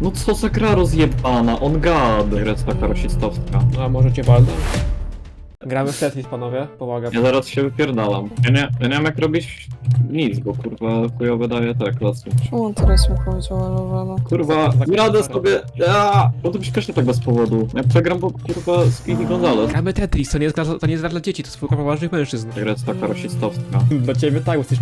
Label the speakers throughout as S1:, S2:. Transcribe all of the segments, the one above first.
S1: No co za gra rozjebana, on god. Gra jest taka rasistowska.
S2: A może cię walnę? Gramy w Tetris, panowie, pomagam.
S1: Ja zaraz się wypierdalam. Ja nie wiem jak robić nic, bo kurwa chujowe daje te klasy.
S3: Czemu teraz mi powiedział Elowano?
S1: Kurwa, nie radę sobie. Bo to śpiesznie tak bez powodu. Ja przegram, bo kurwa Speedy Gonzales.
S2: Gramy Tetris, to nie jest gra dla dzieci, to jest tylko poważnych mężczyzn.
S1: Ta gra jest taka rasistowska.
S2: Dla ciebie tak, bo jesteś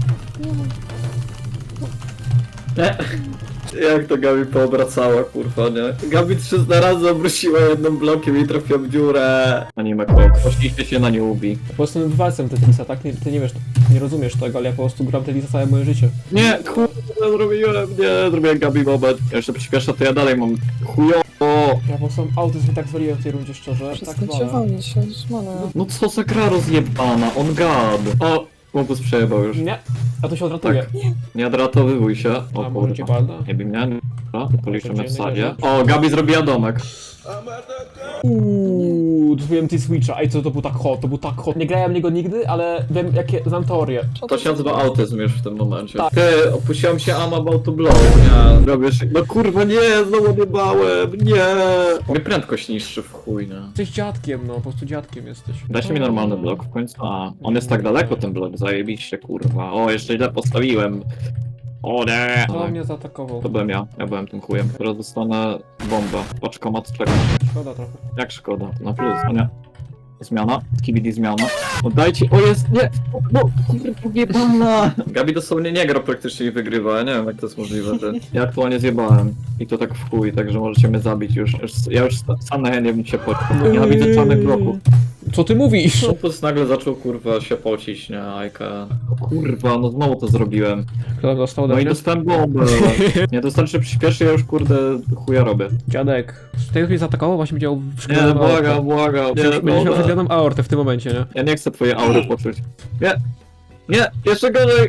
S1: Jak to Gabi poobracała, kurwa, nie? Gabi 300 razy obróciła jednym blokiem i trafiła w dziurę. Anime Kok. Poszliście się na nie ubi.
S2: po prostu walcem Tetrisa, tak? Ty nie wiesz, nie rozumiesz tego, ale ja po prostu gram Tetrisa całe moje życie.
S1: Nie, kurwa, zrobiłem Gabi moment. Ja jeszcze przyspieszę, to ja dalej mam chujowo.
S2: Ja po prostu autyzm i tak zwaliłem w tej rundzie, szczerze. Tak
S3: Przestańcie
S2: walę.
S3: walić się, zmana.
S1: No co za gra rozjebana, on god. O, Mopus przejebał już.
S2: Nie, a to się odratuje.
S1: Tak. Nie odratowywuj się. O
S2: A może cię
S1: kurwa.
S2: walnę?
S1: Nie bij mnie, policzymy w
S2: Dziennie
S1: sadzie.
S2: gazie.
S1: O, Gabi zrobiła domek.
S2: Zrobiłem T-Switcha, ej co to był tak hot, Nie grałem w niego nigdy, ale wiem jakie, znam teorię.
S1: To się nazywa autyzm już w tym momencie.
S2: Tak.
S1: Ty, opuściłem się I'm about to blow, nie? Robisz... No kurwa nie, znowu odjebałem, nie! Mnie prędkość niższy w chuj, nie?
S2: Jesteś dziadkiem, no, po prostu dziadkiem jesteś.
S1: Dajcie mi normalny blok w końcu. A, on jest tak daleko ten blok, zajebiście kurwa. O, jeszcze źle postawiłem. O nie!
S2: To mnie zaatakował.
S1: To byłem ja byłem tym chujem. Teraz dostanę bombę. Paczkomat czeka.
S2: Szkoda trochę.
S1: Jak szkoda, na plus, o nie. Zmiana, KBD zmiana. Oddajcie, o jest, nie! No, kurwa, jebana! Gabi dosłownie nie gra praktycznie i wygrywa, ja nie wiem jak to jest możliwe. Ja aktualnie zjebałem. I to tak w chuj, także możecie mnie zabić już. Ja już sam na nie bym się poczuł. Nienawidzę czarnych bloków.
S2: Co ty mówisz?
S1: Opus nagle zaczął kurwa się pocić, nie, Ajka. Kurwa, no znowu to zrobiłem.
S2: Kto dostał do
S1: No i
S2: mnie?
S1: dostałem bombę. Nie, dostarczy przyspieszy, ja już kurde chuja robię.
S2: Dziadek. Tej mnie zaatakował, właśnie widział w
S1: Nie,
S2: szkole.
S1: błagam. Nie,
S2: Będziesz miał
S1: dobra.
S2: przegraną aortę w tym momencie, nie?
S1: Ja nie chcę twojej aury poczuć. Nie! Nie! Jeszcze gorzej!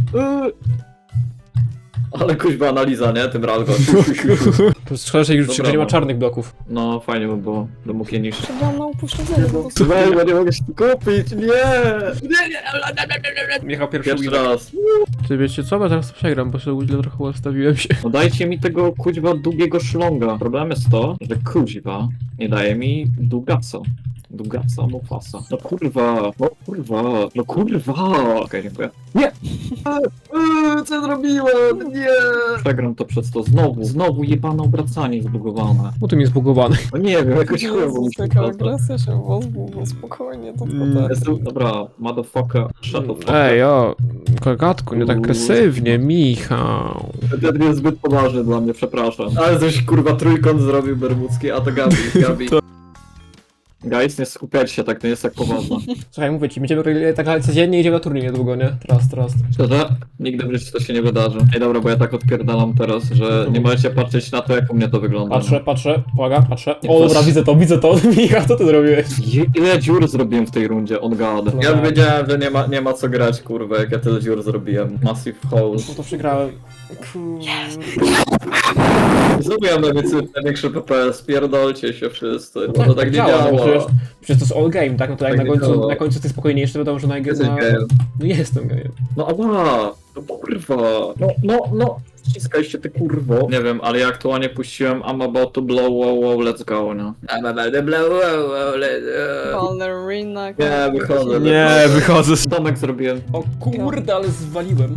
S1: Ale kuźba analiza, nie? Tym razem.
S2: To jest szkoda, że już
S1: Dobra,
S2: że nie ma
S1: no.
S2: czarnych bloków.
S1: No fajnie by było, by mógł je niszczyć.
S3: Przegrałam na upośledzenie, po prostu.
S1: Słuchaj, bo nie mogę się tu kupić, nie!
S2: Michał pierwszy
S1: Pierwszy
S2: win.
S1: raz.
S2: Ty wiecie co? Bo zaraz przegram, bo sobie źle trochę ustawiłem się.
S1: No dajcie mi tego kuźba długiego szlonga. Problem jest to, że kuźba nie daje mi długaca. Długaca, Mufasa. No kurwa, no kurwa. Okej, dziękuję. Nie! Co zrobiłem? Nie! Przegram to przez to znowu jebane obracanie zbugowane.
S2: Bo tu mi jest zbugowany.
S1: No nie wiem, jakoś chujowo mi
S3: Jezus,
S1: się
S3: jaka
S1: wraca.
S3: agresja się pozbył, no spokojnie, to tak.
S1: Jestem, dobra, motherfucker, shut the fuck
S2: Ej,
S1: up.
S2: o, kogatku, nie tak agresywnie, Michał.
S1: Ten jest zbyt poważny dla mnie, przepraszam. Ale coś kurwa trójkąt zrobił bermudzki, a to Gabi. Guys, nie skupiajcie się tak, to nie jest tak poważne.
S2: Słuchaj, mówię ci, będziemy grali tak codziennie, idziemy na turniej niedługo, nie? Teraz.
S1: Szczerze? Nigdy w życiu to się nie wydarzy. Ej dobra, bo ja tak odpierdalam teraz, że nie możecie patrzeć na to, jak u mnie to wygląda.
S2: Patrzę, uwaga, patrzę.
S1: Nie
S2: O, dobra,
S1: patrz.
S2: widzę to. Michał, co ty zrobiłeś?
S1: Ile dziur zrobiłem w tej rundzie, on god. Ja wiedziałem, że nie ma co grać, kurwa, jak ja tyle dziur zrobiłem. Massive hole.
S2: No to przegrałem.
S1: Zrobiłem największy PPS, pierdolcie się wszyscy, bo
S2: Tak,
S1: to tak nie
S2: działa, no
S1: działa.
S2: przecież to jest all game, tak? No to jak
S1: Tak nie działa.
S2: na końcu ty spokojniejszy, to wiadomo, że na
S1: Jesteś gejem.
S2: No jestem gejem.
S1: No ała, no kurwa, no, ściskajcie ty kurwo. Nie wiem, ale ja aktualnie puściłem I'm about to blow, wow, let's go, nie? I'm about to blow, wow, let's go.
S3: Ballerina.
S1: Nie, wychodzę.
S2: wychodzę.
S1: Domek zrobiłem.
S2: O kurde, ale zwaliłem.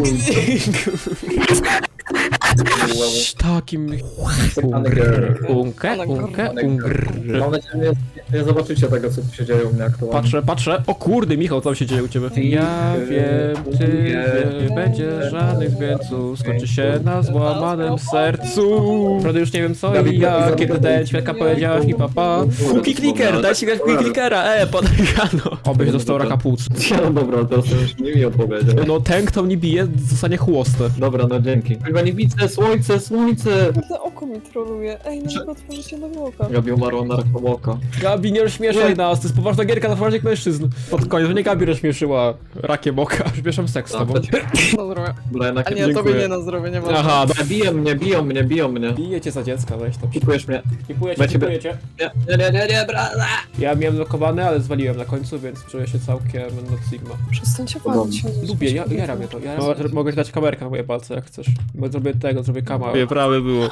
S2: Takim... Unkę.
S1: Mam nadzieję, że nie zobaczycie tego, co tu się dzieje u mnie aktualnie.
S2: Patrzę. O kurde, Michał, co się dzieje u ciebie? Ja wiem, ty wiesz, nie będzie żadnych zwięców, skończy się na złamanym sercu. Prawda już nie wiem co i ja, kiedy ten ćwieka powiedziałaś mi papa. Kupi kliker, daj się grać kupi klikera, podano. Obyś dostał raka płuc.
S1: No dobra, teraz już nie mi opowiedział.
S2: No ten, kto mnie bije, zostanie chłostę.
S1: Dobra, no dzięki. Chyba nie widzę, słońce!
S3: Kurde, oko mi troluje. Ej, no tylko otworzycie do oka.
S1: Gabi umarła na rakomoka.
S2: Gabi, nie rozśmieszaj nas, to jest poważna gierka na poważnych mężczyzn. Pod koniec, to nie Gabi rozśmieszyła rakiem oka, przepraszam seks z tobą.
S3: Na zdrowie.
S1: Dobra, jednak
S3: A nie,
S2: dziękuję.
S3: tobie nie na zdrowie, nie ma.
S2: Aha,
S1: Biją mnie.
S2: bije cię za dziecka, weź to.
S1: Kupujesz mnie.
S2: Kipuję
S1: Macie
S2: cię.
S1: Nie, brada!
S2: Ja miałem blokowany, ale zwaliłem na końcu, więc czuję się całkiem not Sigma.
S3: Przestańcie palić się.
S2: Lubię, jara mnie to. Mogę ci dać kamerkę na moje palce, jak chcesz. Bo zrobię tak tego, zrobię kama. Prawie było.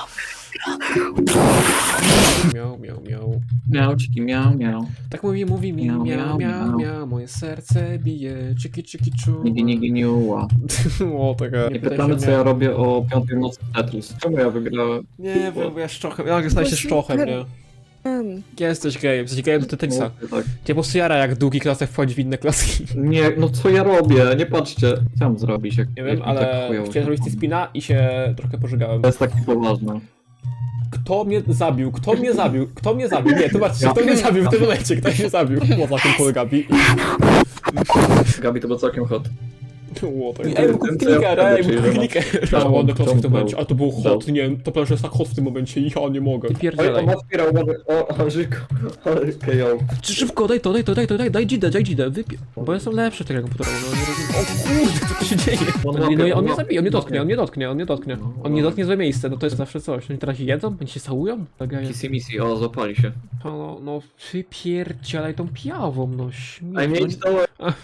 S2: Miał, miał, miał.
S1: Miauczki, miau.
S2: Tak mówi mi,
S1: Miau,
S2: miał,
S1: miau,
S2: miał,
S1: miau.
S2: miał, moje serce bije, czyki, czu.
S1: Nigi, niuła.
S2: O, taka.
S1: Nie pytamy, co ja robię o 5 w nocy w Tetris. Czemu ja wygrałem?
S2: Nie, bo ja szczochem, ja staję się szczochem, nie? Jesteś gejem, jesteś gejem do Tetrixa.
S1: Tak.
S2: Cię po prostu jara, jak długi klasek wchodzi w inne klaski.
S1: Nie, no co ja robię? Nie patrzcie. Co mam zrobić, jak
S2: Nie
S1: jak
S2: wiem,
S1: mi
S2: ale
S1: tak chujowo
S2: chciałem zrobić
S1: się-
S2: spina i się trochę pożygałem.
S1: To jest takie poważne.
S2: Kto mnie zabił? Kto mnie zabił? Kto mnie zabił? Nie, zobaczcie, kto mnie zabił w tym momencie? Kto mnie zabił? Poza tym pole Gabi.
S1: Gabi, to był całkiem hot.
S2: Ło, tak.
S1: Ej,
S2: Ej,
S1: ten,
S2: kup
S1: co ja
S2: kliker, ej,
S1: wtedy,
S2: kup
S1: czyli
S2: kliker.
S1: że-
S2: No, ładny klasek w tym
S1: Ciągnął.
S2: momencie, ale to było hot, nie wiem, to plansz jest tak hot w tym momencie i ja nie mogę.
S1: Oj,
S2: Pierdzielaj.
S1: on otwierał, o, Żyku. KO.
S2: Szybko, daj to, daj dzidę, wypie... Bo ja jestem lepszy w tego komputera, no nie rozumiem. O kurde, co tu się dzieje? No i on mnie zabije, on mnie dotknie. On mnie dotknie złe miejsce, no to jest zawsze coś. Oni teraz jedzą? Oni się całują?
S1: Kissy missy, o, zapali się.
S2: No, wypierdzielaj tą pijawą, no śmiech.
S1: Ej, nie idź dołem.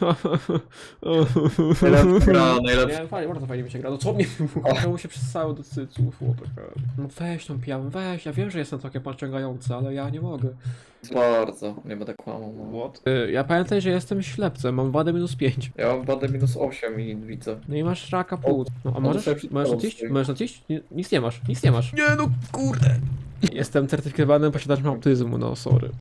S1: Najlepsza gra.
S2: Nie, bardzo fajnie mi się gra. No co mnie było? Czemu się przestało do cyców? No weź tą pijawą, weź. Ja wiem, że jestem całkiem pociągający, ale ja nie mogę.
S1: Bardzo, nie będę kłamał. No.
S2: What? Ja pamiętaj, że jestem ślepcem, mam wadę -5.
S1: Ja mam wadę -8 i widzę.
S2: No i masz raka płuc. No a
S1: on
S2: możesz?
S1: sobie przed
S2: Możesz
S1: tobą
S2: odejść?
S1: stoi.
S2: Możesz odejść? Nic nie masz. Nie no, kurde. Jestem certyfikowanym posiadaczem autyzmu, no sorry.